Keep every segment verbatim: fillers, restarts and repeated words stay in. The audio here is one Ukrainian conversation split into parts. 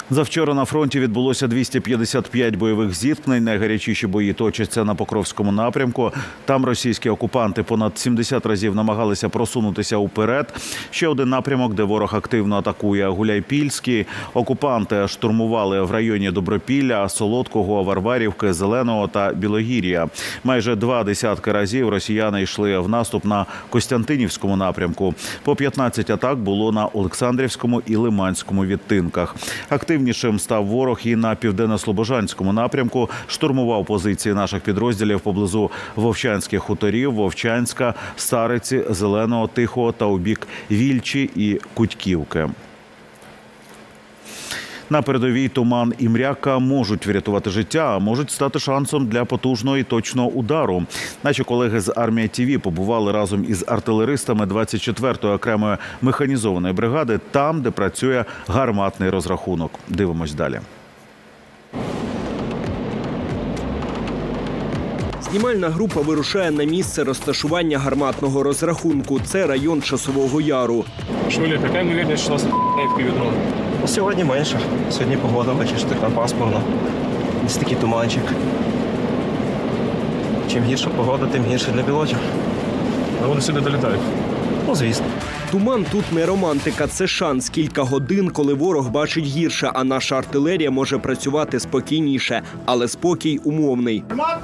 Завчора на фронті відбулося двісті п'ятдесят п'ять бойових зіткнень. Найгарячіші бої точаться на Покровському напрямку. Там російські окупанти понад сімдесят разів намагалися просунутися уперед. Ще один напрямок, де ворог активно атакує – Гуляйпільський. Окупанти штурмували в районі Добропілля, Солодкого, Варварівки, Зеленого та Білогір'я. Майже два десятки разів росіяни йшли в наступ на Костянтинівському напрямку. По п'ятнадцять атак було на Олександрівському і Лиманському відтинках. Активнішим став ворог і на Південно-Слобожанському напрямку. Штурмував позиції наших підрозділів поблизу Вовчанських хуторів, Вовчанська, Стариці, Зеленого, Тихого та у бік Вільчі і Кутьківки. На передовій туман і мряка можуть врятувати життя, а можуть стати шансом для потужного і точного удару. Наші колеги з Армія ТІВІ побували разом із артилеристами двадцять четвертої окремої механізованої бригади, там, де працює гарматний розрахунок. Дивимось далі. Знімальна група вирушає на місце розташування гарматного розрахунку. Це район Часового Яру. Шуля, яка ймовірність, що нас в півдрон? Сьогодні менше. Сьогодні погода, бачиш, така пасмурна. Ось такий туманчик. Чим гірша погода, тим гірше для пілотів. А вони сюди долітають? Ну, звісно. Туман тут не романтика, це шанс. Кілька годин, коли ворог бачить гірше, а наша артилерія може працювати спокійніше. Але спокій умовний.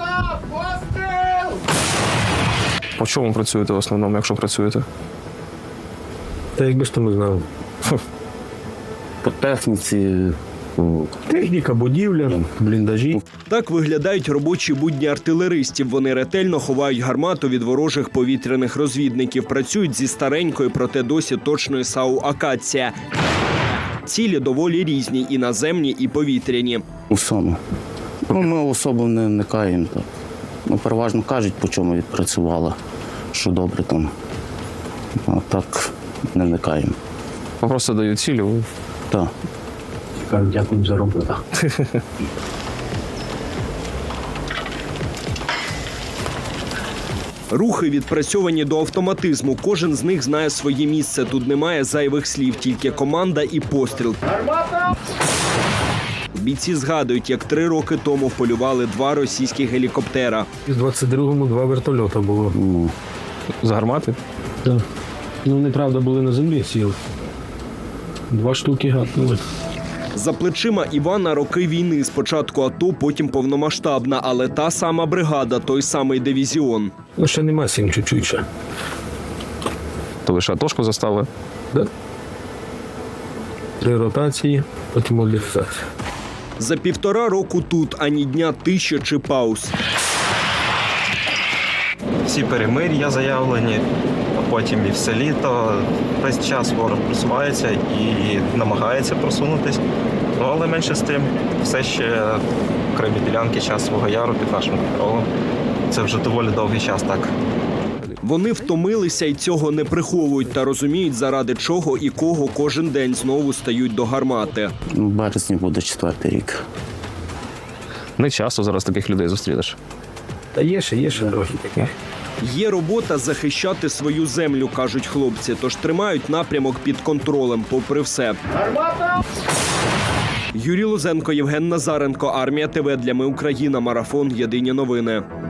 По чому працюєте в основному, якщо працюєте? Та якби ж то ми знали. По техніці, Техніка, будівля, бліндажі. Так виглядають робочі будні артилеристів. Вони ретельно ховають гармату від ворожих повітряних розвідників. Працюють зі старенької, проте досі точної САУ «Акація». Цілі доволі різні – і наземні, і повітряні. у всьому. Ну, ми особо не вникаємо. Так. Ну, переважно кажуть, по чому відпрацювала, що добре там. А так не вникаємо. Просто дають цілі. Так. Дякую за роботу. Рухи відпрацьовані до автоматизму. Кожен з них знає своє місце. Тут немає зайвих слів, тільки команда і постріл. Бійці згадують, як три роки тому полювали два російські гелікоптера. В двадцять другому два вертольота було. Ну, З гармати? Так. Ну, неправда, були на землі, сіли. Два штуки гатнули. За плечима Івана роки війни. Спочатку АТО, потім повномасштабна, але та сама бригада, той самий дивізіон. Ну, ще нема сім, чуть-чуть ще. То лише атошку заставили? Да? Три ротації, потім модифікація. За півтора року тут ані дня тиші чи пауз. Всі перемир'я заявлені, а потім і все літо. Весь час ворог просувається і намагається просунутись. Ну, але менше з тим, все ще окремі ділянки Часового Яру під нашим контролем. Це вже доволі довгий час так. Вони втомилися і цього не приховують та розуміють, заради чого і кого кожен день знову стають до гармати. в березні буде четвертий рік. Не часто зараз таких людей зустрінеш. Та є ще, є ще трохи таких. Є робота захищати свою землю, кажуть хлопці, тож тримають напрямок під контролем, попри все. Юрій Лозенко, Євген Назаренко, Армія ТВ для Ми Україна, марафон, єдині новини.